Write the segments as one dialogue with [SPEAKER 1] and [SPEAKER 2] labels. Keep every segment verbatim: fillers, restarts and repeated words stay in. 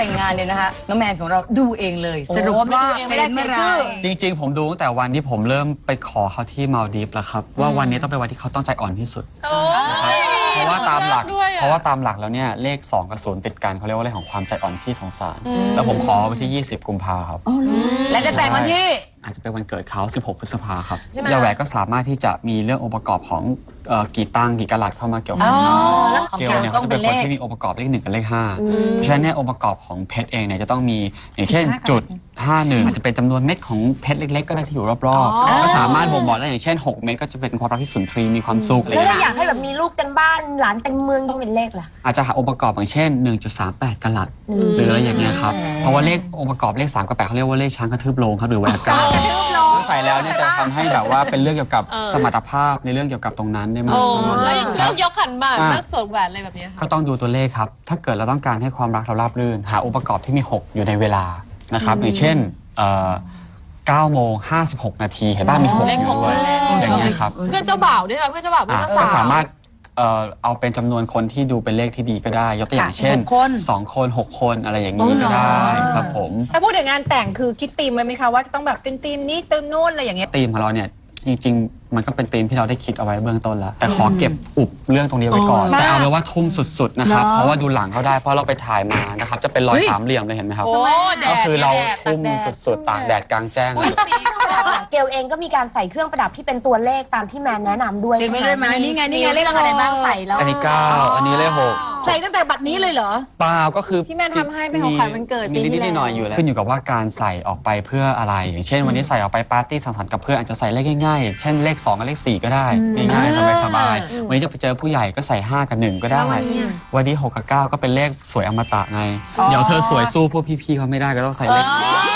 [SPEAKER 1] แต่งงานเนี่ยนะคะน้องแมนของเราดูเองเลยสรุปว่าเป็นเมื่อไร
[SPEAKER 2] จริงๆผมดูตั้งแต่วันที่ผมเริ่มไปขอเขาที่มาลดีฟแล้วครับว่าวันนี้ต้องเป็นวันที่เขาต้องใจอ่อนที่สุดเพราะว่าตามหลักเพราะว่าตามหลักแล้วเนี่ยเลขสองกับศูนย์ติดกันเขาเรียกว่าเลขของความใจอ่อนที่สงสารแล้วผมขอวันที่ยี่สิบกุมภาครับ
[SPEAKER 1] และจะแต่งวันที่
[SPEAKER 2] อาจจะเป็นวันเกิดเขาสิบหกพฤษภาครับยาแหวกก็สามารถที่จะมีเรื่ององค์ประกอบของกี่ตังกี่กะลัดเข้ามาเกี่ยวข้องเกลเนี่ยเขาจะเป็นคนที่มีองค์ประกอบเลขหนึ่งกับเลขห้าเพราะฉะนั้นเนี่ยองค์ประกอบของเพชรเองเนี่ยจะต้องมีอย่างเช่นจุดห้าหนึ่งอาจจะเป็นจำนวนเม็ดของเพชรเล็กๆก็ได้ที่อยู่รอบๆก็สามารถบ่งบอกได้อย่างเช่นหกเม็ดก็จะเป็นความรักที่สุนทรีมีความสุขอะไรอย่างเงี้ย
[SPEAKER 3] แล้วอยากให้แบบมีลูกเต็มบ้านหลานเต็มเมืองต้องเป็นเลขล่ะ
[SPEAKER 2] อาจจะหาองค์ประกอบอย่างเช่น หนึ่งจุดสามแปด กะลัดหรืออะไรอย่างเงี้ยครับเพราะว่าเลของค์ประกอบเลขสามกับแปดเขาเรียกว่าเลขช้างกระทืบโลงครับหรือแหวนเก้าใส่แล้วเนี่ยจะทำให้แบบว่าเป็นเรื่องเกี่ยวกับสมรรถภาพในเรื่องเกี่ยวกับตรงนั้นได้มากขึ้น
[SPEAKER 4] แล้วอย่างเรื่องยกขันหมากเรื่องสวมแหวนอะไรแบบนี้
[SPEAKER 2] ก็ต้องดูตัวเลขครับถ้าเกิดเราต้องการให้ความรักเราราบรื่นหาองค์ประกอบที่มีหกอยู่ในเวลานะครับอย่างเช่นเก้าโมงห้าสิบหกนาทีเห็นบ้างมีหกอยู่ด้วยอย่างเงี้ยครับ
[SPEAKER 4] เพื่อนเจ้าบ่าวด้วยค่ะเพื่อนเจ้าบ่าวเพื่อนเจ้าสาว
[SPEAKER 2] ก็สามารถเอาเป็นจำนวนคนที่ดูเป็นเลขที่ดีก็ได้ยกตัวอย่างเช่นสองคนหกคนอะไรอย่างนี้ก็ได้ครับผม
[SPEAKER 3] ถ้าพูดถึงงานแต่งคือคิดธีมไว้ไหมคะว่าจะต้องแบบเป็นธีมนี้ธีมนู่นอะไรอย่างเงี้ย
[SPEAKER 2] ธีมของเราเนี่ยจริงๆมันก็เป็นธีมที่เราได้คิดเอาไว้เบื้องต้นแล้วแต่ขอเก็บอุบเรื่องตรงนี้ไว้ก่อนแต่เอาเลยว่าทุ่มสุดๆนะครับเพราะว่าดูหลังเขาได้เพราะเราไปถ่ายมานะครับจะเป็นรอยสามเหลี่ยมเลยเห็นไหมครับก็คือเราทุ่มสุดๆตากแดดกลางแจ้งเลย
[SPEAKER 3] เกลเองก็มีการใส่เครื่องประดับที่เป็นตัวเลขตามที่แมนแนะนำด้วย
[SPEAKER 1] ใช่ไหมนี่ไงนี่ไงเลข
[SPEAKER 3] อะไรบ้างใส่แล้ว
[SPEAKER 2] อันนี้เก้าอันนี้เลขหก
[SPEAKER 3] ใส่ตั้งแต่บัดนี้เลยเหรอ
[SPEAKER 2] เปล่าก็คือ
[SPEAKER 3] ที่แมนทำให้เป็นของขวัญวันเกิด
[SPEAKER 2] มีนิดๆหน่อยๆอยู่แล้วขึ้นอยู่กับว่าการใส่ออกไปเพื่ออะไรอย่างเช่นวันนี้ใส่ออกไปปาร์ตี้สังสรรค์กับเพื่อนอาจจะใส่เลขง่ายๆเช่นเลขสองกับเลขสี่ก็ได้ง่ายๆสบายๆวันนี้จะไปเจอผู้ใหญ่ก็ใส่ห้ากับหนึ่งก็ได้วันนี้หกกับเก้าก็เป็นเลขสวยอมตะไงเดี๋ยวเธอสวยสู้พวกพี่ๆเขาไม่ได้ก็ต้องใส่เลข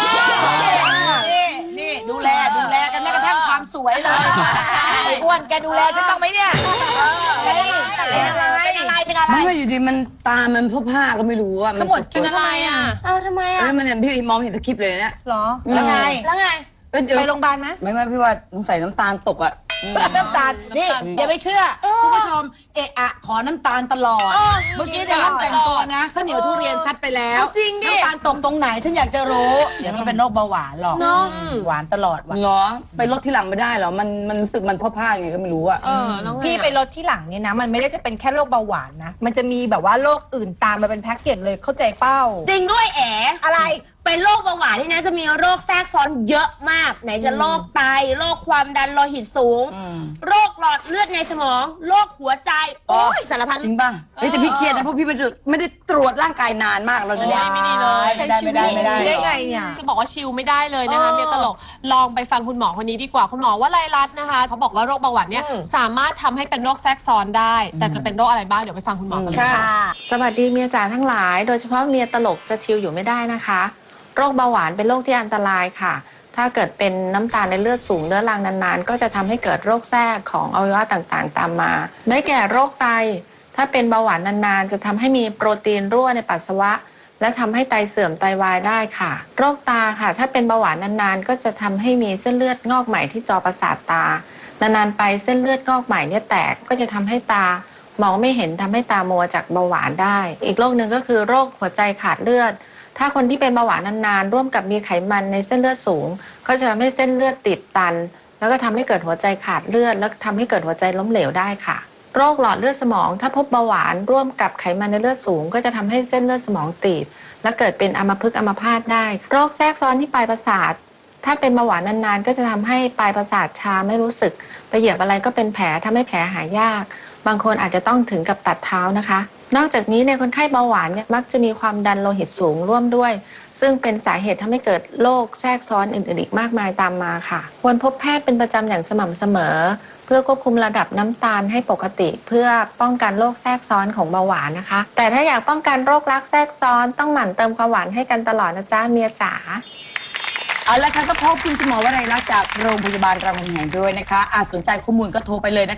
[SPEAKER 3] นี่ดูแลดูแลกันแม้กระทั่งความสวยเลยอ้วนแกดูแลฉันต้องไหมเนี่ยเป็นอะไรเป็นอะไรเป็นอะไร
[SPEAKER 1] ไม่อยู่ดีมันตามันพวกผ้าก็ไม่รู้อ่ะ
[SPEAKER 4] มันหมดเป็นอะไรอ่ะ
[SPEAKER 3] เอ้าทำไมอ่ะ
[SPEAKER 1] มันเนี่ยพี่มองเห็นสคริปต์เลยเนี่ย
[SPEAKER 3] หรอแล้วไงแล้วไงไปโรงพยาบาลไหม
[SPEAKER 1] ไม่ไม่พี่ว่าใส่น้ำตาลตกอ่ะ
[SPEAKER 3] น้ำตาลนี่อย่าไปเชื่อคุณผู้ชมเอะอะขอน้ำตาลตลอดเมื่อกี้ในห้องแต่งตัวนะข้าวเหนียวทุเรียนซัดไปแล้ว
[SPEAKER 4] จริงดิ
[SPEAKER 3] น้ำตาลตกตรงไหนฉันอยากจะรู้เดี๋ยวมันเป็นโรคเบาหวานหรอกหวานตลอด
[SPEAKER 1] เหรอไปลดที่หลังไม่ได้เหรอมันมันรู้สึกมันพ่อผ้าไงก็ไม่รู้อ่ะ
[SPEAKER 3] พี่ไปลดที่หลังเนี่ยนะมันไม่ได้จะเป็นแค่โรคเบาหวานนะมันจะมีแบบว่าโรคอื่นตามมาเป็นแพ็กเกจเลยเข้าใจเป้าจริงด้วยแอ๋อะไรเป็นโรคเบาหวานนี่นะจะมีโรคแทรกซ้อนเยอะมากไหนจะโรคไตโรคความดันโลหิตสูงโรคหลอดเลือดในสมองโรคหัวใจโอ้ยสารพัด
[SPEAKER 1] จริงป่ะเฮ้ยแต่พี่เครียดนะเพราะพี่ไม่ได้ตรวจร่างกายนานมากเราจะ
[SPEAKER 4] ไม่ดีเลย
[SPEAKER 3] ไม่ได้ไม่ได้ไม่ได้
[SPEAKER 4] ได้ไงเนี่ยจะบอกว่าชิลไม่ได้เลยนะคะเนี่ยตลกลองไปฟังคุณหมอคนนี้ดีกว่าคุณหมอว่าไลรัตนะคะเขาบอกว่าโรคเบาหวานเนี่ยสามารถทำให้เป็นโรคแทรกซ้อนได้แต่จะเป็นโรคอะไรบ้างเดี๋ยวไปฟังคุณหมอกันเลยค่ะ
[SPEAKER 5] สวัสดีเมียจ๋าทั้งหลายโดยเฉพาะเมียตลกจะชิลอยู่ไม่ได้นะคะโรคเบาหวานเป็นโรคที่อันตรายค่ะถ้าเกิดเป็นน้ำตาลในเลือดสูงเรื้อรังนานๆก็จะทำให้เกิดโรคแทรกของอวัยวะต่างๆตามมาได้แก่โรคไตถ้าเป็นเบาหวานนานๆจะทำให้มีโปรตีนรั่วในปัสสาวะและทำให้ไตเสื่อมไตวายได้ค่ะโรคตาค่ะถ้าเป็นเบาหวานนานๆก็จะทำให้มีเส้นเลือดงอกใหม่ที่จอประสาทตานานๆไปเส้นเลือดงอกใหม่เนี่ยแตกก็จะทำให้ตามองไม่เห็นทำให้ตามัวจากเบาหวานได้อีกโรคหนึ่งก็คือโรคหัวใจขาดเลือดถ้าคนที่เป็นเบาหวานนานๆร่วมกับมีไขมันในเส้นเลือดสูงก็จะทำให้เส้นเลือดติดตันแล้วก็ทำให้เกิดหัวใจขาดเลือดแล้วทำให้เกิดหัวใจล้มเหลวได้ค่ะโรคหลอดเลือดสมองถ้าพบเบาหวานร่วมกับไขมันในเลือดสูงก็จะทำให้เส้นเลือดสมองตีบและเกิดเป็นอัมพฤกษ์อัมพาตได้โรคแทรกซ้อนที่ปลายประสาทถ้าเป็นเบาหวานนานๆก็จะทำให้ปลายประสาทชาไม่รู้สึกไปเหยียบอะไรก็เป็นแผลทำให้แผลหายยากบางคนอาจจะต้องถึงกับตัดเท้านะคะนอกจากนี้ในคนไข้เบาหวานเนี่ยมักจะมีความดันโลหิตสูงร่วมด้วยซึ่งเป็นสาเหตุทำให้เกิดโรคแทรกซ้อนอื่นๆอีกมากมายตามมาค่ะควรพบแพทย์เป็นประจำอย่างสม่ำเสมอเพื่อควบคุมระดับน้ำตาลให้ปกติเพื่อป้องกันโรคแทรกซ้อนของเบาหวานนะคะแต่ถ้าอยากป้องกันโรครักแทรกซ้อนต้องหมั่นเติมความหวานให้กันตลอดนะจ๊ะเมียจ๋า
[SPEAKER 1] เอาละค่ะก็พบคุณหมอวรัยรัตน์จากโรงพยาบาลรามคำแหงด้วยนะคะอาจสนใจข้อมูลก็โทรไปเลยนะคะ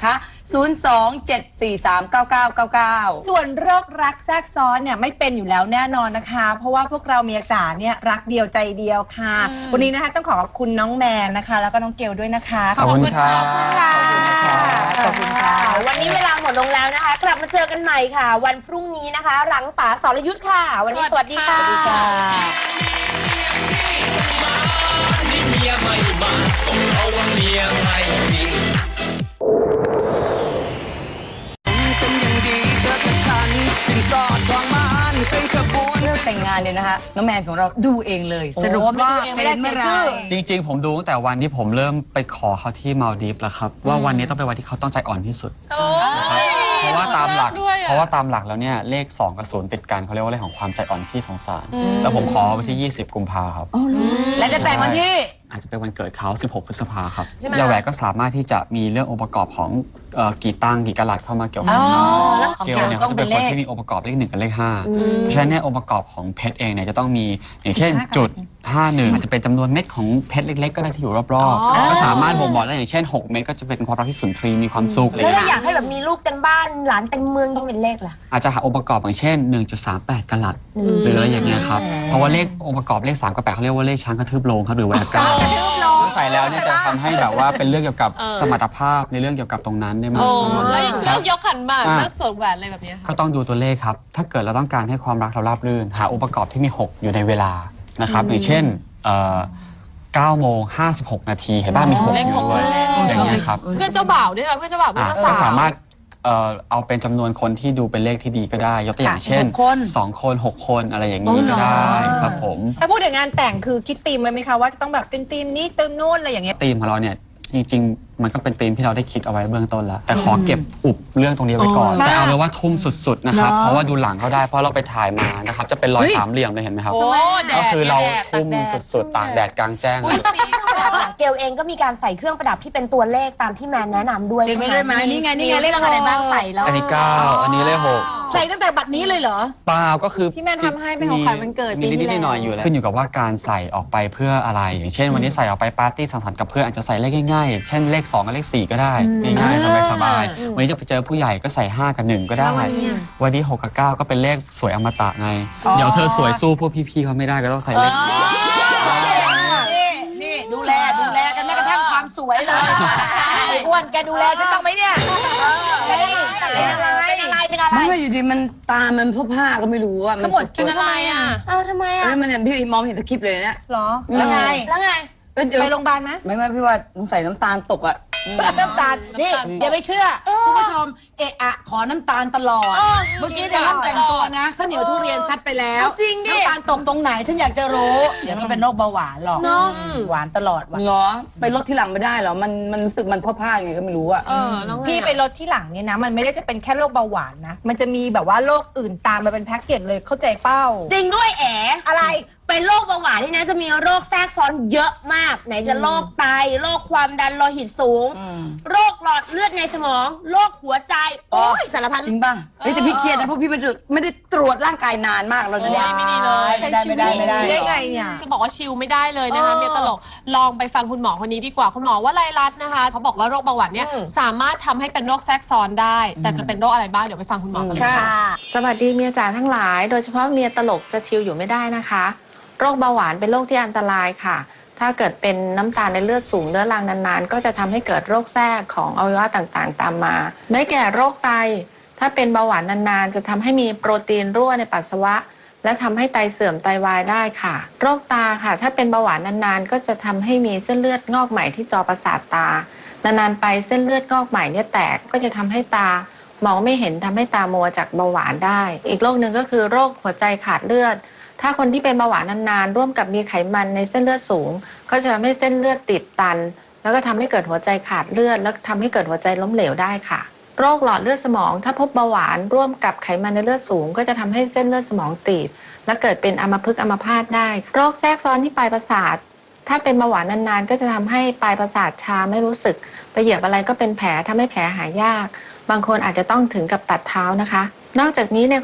[SPEAKER 1] ศูนย์ สอง เจ็ด สี่ สาม เก้า เก้า เก้า เก้า
[SPEAKER 3] ส่วนโรครักแทรกซ้อนเนี่ยไม่เป็นอยู่แล้วแน่นอนนะคะ เพราะว่าพวกเราเมียจ๋าเนี่ยรักเดียวใจเดียวค่ะ
[SPEAKER 4] อืม
[SPEAKER 3] วันนี้นะคะต้องขอขอบคุณน้องแมนนะคะ แล้วก็น้องเกลด้วยนะคะ
[SPEAKER 2] ขอบคุณครับ
[SPEAKER 3] ค่ะ
[SPEAKER 1] ขอบคุณค่ะ
[SPEAKER 3] วันนี้เวลาหมดลงแล้วนะคะ กลับมาเจอกันใหม่ค่ะ วันพรุ่งนี้นะคะ หลังป๋าสรยุทธ์ค่ะ วันนี้สวัสดีค่ะ
[SPEAKER 4] สวัสดีค่ะ
[SPEAKER 6] นี่เมียไม่มาต้องเอาว่าเมียไม่ดีเป็นอย่างดีเธอกับฉันสินสอดทองมันเป็นขบวน
[SPEAKER 1] เรื่องแต่งงานเนี่ยนะคะน้องแมนของเราดูเองเลย สรุปว่าเป็นเมื่อไหร
[SPEAKER 2] จริงๆ ผมดูตั้งแต่วันที่ผมเริ่มไปขอเขาที่มาลดีฟแล้วครับ ว่าวันนี้ต้องเป็นวันที่เขาต้องใจอ่อนที่สุด
[SPEAKER 4] โอ้ย
[SPEAKER 2] เพราะว่าตามหลัก
[SPEAKER 4] ด้วยอ
[SPEAKER 2] เพราะว่าตามหลักแล้วเนี่ยเลขสองกับศูนย์ติดกันเขาเรียกว่าเลขของความใจอ่อนที่สงสาร แล้วผมขอวันที่ ยี่สิบ กุมภาครับ
[SPEAKER 1] และจะแต่งวันที่
[SPEAKER 2] อาจจะเป็นวันเกิดเขา สิบหก พฤษภาครับ
[SPEAKER 3] ใช่ไหม
[SPEAKER 2] ยาแหวกก็สามารถที่จะมีเรื่ององค์ประกอบของเอ่อกี่ตังกี่กะลัดเข้ามาเกี่ยวข้อง
[SPEAKER 1] อ๋อ
[SPEAKER 2] ได้
[SPEAKER 1] แล้วของ
[SPEAKER 2] เกลเนี่ย
[SPEAKER 1] ต้
[SPEAKER 2] เขา
[SPEAKER 1] อง
[SPEAKER 2] จะ
[SPEAKER 1] เป็
[SPEAKER 2] เป็น น
[SPEAKER 1] เล
[SPEAKER 2] คน
[SPEAKER 1] ข
[SPEAKER 2] ที่มีองค์ประกอบเลขหนึ่งกับเลขห้าเพราะฉะนั้นเนี่ยองค์ประกอบของเพชรเองเนี่ยจะต้องมีอย่างเช่นจุดห้าหนึ่งอาจจะเป็นจำนวนเม็ดของเพชรเล็กๆ ก็ได้ที่อยู่รอบ
[SPEAKER 3] อ๋อ
[SPEAKER 2] ๆก็สามารถบ่งบอกได้อย่างเช่นหกเม็ดก็จะเป็นความรักที่สุนทรีย์มีความสุขอะไรอ
[SPEAKER 3] แล้ว
[SPEAKER 2] ย่าง
[SPEAKER 3] ถ้า
[SPEAKER 2] เงี้ย
[SPEAKER 3] อยากให้แบบมีลูกเต็มบ้านหลานเต็มเมืองต้องเป็นเลขล่ะ
[SPEAKER 2] อาจจะหาองค์ประกอบอย่างเช่น หนึ่งจุดสามแปด กะลัดหรืออะไรอย่างเงี้ยครับเพราะว่าเลของค์ประกอบเลขสามกับแปดเขาเรียกว่าเลขช้างกระทืบโลงครับหรือแหวกกา
[SPEAKER 3] กระทืบโลง
[SPEAKER 2] ใส่แล้วเนี่ยจะทำให้แบบว่าเป็นเรื่องเกี่ยวกับ
[SPEAKER 4] เออ
[SPEAKER 2] สมรรถภาพในเรื่องเกี่ยวกับตรงนั้นได้มาก
[SPEAKER 4] โอ้
[SPEAKER 2] ขึ้น
[SPEAKER 4] แล้วอย่าง
[SPEAKER 2] ค
[SPEAKER 4] เรื่
[SPEAKER 2] รั
[SPEAKER 4] อบ งยกขันหมาก
[SPEAKER 2] อ่ะ
[SPEAKER 4] เลิกสวมแหวนอะไรแบบเนี้ย
[SPEAKER 2] ก็
[SPEAKER 4] ค่ะ
[SPEAKER 2] ต้องดูตัวเลขครับ ถ้าเกิดเราต้องการให้ความรักเราราบรื่น หาองค์ประกอบที่มี หก อยู่ในเวลานะครับ อย่างเช่นเอ่อเก้าโมงห้าสิบหกนาทีเห็นป่ะมี หก
[SPEAKER 4] เลข
[SPEAKER 2] อยู่
[SPEAKER 4] หก
[SPEAKER 2] ด้วย
[SPEAKER 4] เลขหก
[SPEAKER 2] อย่างเงี้ยครับ
[SPEAKER 4] เพื่อนเจ้าบ่าวด้วยไหมเพื่อนเจ้าบ่าวเพื่อน
[SPEAKER 2] อ่ะ
[SPEAKER 4] เจ้า
[SPEAKER 2] ก็
[SPEAKER 4] สาว
[SPEAKER 2] สามารถเอ่อเอาเป็นจำนวนคนที่ดูเป็นเลขที่ดีก็ได้ ยกตัวอย่างเช่น
[SPEAKER 1] หกคน
[SPEAKER 2] สองคนหกคนอะไรอย่างนี้ก็ได้ครับผม
[SPEAKER 3] ถ้าพูดถึงงานแต่งคือคิดธีมไว้ไหมคะว่าจะต้องแบบธีมธีมนี้ธีมนู่นอะไรอย่างเงี้ย
[SPEAKER 2] ธีมของเราเนี่ยจริงๆ มันก็เป็นธีมที่เราได้คิดเอาไว้เบื้องต้นแล้ว แต่ขอเก็บอุบเรื่องตรงนี้ไว้ก่อน
[SPEAKER 1] อ๋อ
[SPEAKER 2] แต่เอาเลยว่าทุ่มสุดๆนะครับ
[SPEAKER 1] เนอะ
[SPEAKER 2] เพราะว่าดูหลังเขาได้เพราะเราไปถ่ายมานะครับจะเป็นรอยสามเหลี่ยมเลยเห็นไหมครับ
[SPEAKER 4] โอ้แด
[SPEAKER 2] ก็
[SPEAKER 4] ด
[SPEAKER 2] คือเรา
[SPEAKER 4] แดด
[SPEAKER 2] ทุ่มสุดๆตากแดดกลางแจ้ง
[SPEAKER 4] อุ้
[SPEAKER 2] เลย ย
[SPEAKER 4] สี
[SPEAKER 3] เกลเองก็มีการใส่เครื่องประดับที่เป็นตัวเลขตามที่แมนแนะนำด้วย
[SPEAKER 1] เต็มไปด้วยไหม
[SPEAKER 3] ใช่
[SPEAKER 1] นี่ไงนี่ไงเลขอะไรบ้างใส่แล้ว
[SPEAKER 2] อันนี้เก้าอันนี้เลขหก
[SPEAKER 3] ใส่ตั้งแต่บัดนี้เลยเหรอ
[SPEAKER 2] เปล่าก็คือ
[SPEAKER 3] พี่แมนทำให้เป็นของขวัญวันเกิดปี
[SPEAKER 2] มี
[SPEAKER 3] ที่
[SPEAKER 2] นิดๆหน่อยๆอยู่แล้วขึ้นอยู่กับว่าการใส่ออกไปเพื่ออะไร อย่างเช่น วันนี้ใส่ออกไปปาร์ตี้สังสรรค์กับเพื่อนอาจจะใส่เลขง่ายๆเช่นเลขสองกับเลขสี่ก็ได้ง่ายๆสบายๆวันนี้จะไปเจอผู้ใหญ่ก็ใส่ห้ากับหนึ่งก็ได้ วันนี้หกกับเก้าก็เป็นเลขสวยอมตะไง
[SPEAKER 1] อ๋อ
[SPEAKER 2] เดี๋ยวเธอสวยสู้พวกพี่ๆเขาไม่ได้ก็ต้องใส่เลขนี้
[SPEAKER 1] นี่นี่ดูแลดูแลกันแม้กระทั่งความสวยเลย
[SPEAKER 3] ไอ้อ้วนแกดูแลฉันต้องไหมเนี่ยเป็นอะไรเป็นอะไรเป็นอะไร
[SPEAKER 1] ไม่ว่าอยู่ดีมันตามันพวกผ้าก็ไม่รู้อ่ะ
[SPEAKER 3] ขมวด
[SPEAKER 4] เป็นอะไรอ่ะ
[SPEAKER 3] เอ้าทำไม
[SPEAKER 1] เอ้
[SPEAKER 3] อ่ะ
[SPEAKER 1] ยมันเนี่ยพี่มองเห็นสคริปต์เลยเนี่ย
[SPEAKER 3] หรอ
[SPEAKER 1] อืม
[SPEAKER 3] แล้วไงแล้วไง
[SPEAKER 1] เอ้ยเดี๋ยว
[SPEAKER 3] ไปโรงพยาบาลไหม
[SPEAKER 1] ไม่ไม่พี่ว่าสงสัยน้ำตาลตกอ่ะ
[SPEAKER 3] น้ำตาลนี่
[SPEAKER 4] น้ำตาล
[SPEAKER 3] อย่าไปเชื่อคุณผู้ชมเอะอะขอน้ำตาลตลอด เมื่อกี้ในห้องแต่งตัวนะข้าวเหนียวทุเรียนซัดไปแล้ว
[SPEAKER 1] จริงดิ
[SPEAKER 3] น้ำตาลตกตรงไหนฉันอยากจะรู้ เดี๋ยวมันเป็นโรคเบาหวานหรอก
[SPEAKER 4] เนอะ
[SPEAKER 3] หวานตลอดว่ะ
[SPEAKER 1] เหรอไปลดที่หลังไม่ได้เหรอมันมันรู้สึกมันพ่อผ้ายังไงก็ไม่รู้อ่ะ
[SPEAKER 4] เออแล้วไง
[SPEAKER 3] พี่ไปลดที่หลังเนี่ยนะ มันไม่ได้จะเป็นแค่โรคเบาหวานนะ มันจะมีแบบว่าโรคอื่นตามมาเป็นแพ็กเกจเลยเข้าใจเป้า
[SPEAKER 7] จริงด้วยแอ
[SPEAKER 3] อะไร
[SPEAKER 7] เป็นโรคเบาหวานนี่นะจะมีโรคแทรกซ้อนเยอะมาก ไหนจะโรคไตโรคความดันโลหิตสูง
[SPEAKER 1] อืม
[SPEAKER 7] โรคหลอดเลือดในสมอง โรคหัวใจ โอ้ยสารพัด
[SPEAKER 1] จริงป่ะเฮ้ยแต่พี่เครียดนะเพราะพี่ไม่ได้ไม่ได้ตรวจร่างกายนานมากเราจะเนี่ย
[SPEAKER 4] โอ้ยไม่ดีเลย
[SPEAKER 3] ไม่ได้ไม่ได้ไม่ได้ได้ไงเนี่ย
[SPEAKER 4] จะบอกว่าชิลไม่ได้เลยนะคะ
[SPEAKER 3] เออ
[SPEAKER 4] เมียตลกลองไปฟังคุณหมอคนนี้ดีกว่าคุณหมอว่าไลรัตน์นะคะเขาบอกว่าโรคเบาหวานเนี่ย
[SPEAKER 3] อืม
[SPEAKER 4] สามารถทำให้เป็นโรคแทรกซ้อนได้ แต่จะเป็นโรคอะไรบ้างเดี๋ยวไปฟังคุณหมอกันเลยค่ะ
[SPEAKER 5] สวัสดีเมียจ๋าทั้งหลาย โดยเฉพาะเมียตลกจะชิลอยู่ไม่ได้นะคะ โรคเบาหวานเป็นโรคที่อันตรายค่ะ ถ้าเกิดเป็นน้ำตาลในเลือดสูงเรื้อรังนานๆ ก็จะทำให้เกิดโรคแทรกของอวัยวะต่างๆ ตามมา ได้แก่โรคไต ถ้าเป็นเบาหวานนานๆ จะทำให้มีโปรตีนรั่วในปัสสาวะ และทำให้ไตเสื่อมไตวายได้ค่ะ โรคตาค่ะ ถ้าเป็นเบาหวานนานๆ ก็จะทำให้มีเส้นเลือดงอกใหม่ที่จอประสาทตา นานๆไปเส้นเลือดงอกใหม่เนี่ยแตกก็จะทำให้ตามองไม่เห็นทำให้ตามัวจากเบาหวานได้ อีกโรคหนึ่งก็คือโรคหัวใจขาดเลือด ถ้าคนที่เป็นเบาหวานนานๆ ร่วมกับมีไขมันในเส้นเลือดสูง ก็จะทำให้เส้นเลือดติดตัน แล้วก็ทำให้เกิดหัวใจขาดเลือด แล้วทำให้เกิดหัวใจล้มเหลวได้ค่ะ โรคหลอดเลือดสมอง ถ้าพบเบาหวานร่วมกับไขมันในเลือดสูง ก็จะทำให้เส้นเลือดสมองตีบ และเกิดเป็นอัมพฤกษ์อัมพาตได้ โรคแทรกซ้อนที่ปลายประสาท ถ้าเป็นเบาหวานนานๆ ก็จะทำให้ปลายประสาทชาไม่รู้สึก ไปเหยียบอะไรก็เป็นแผลทำให้แผลหายยาก บางคนอาจจะต้องถึงกับตัดเท้านะคะ นอกจากนี้ใน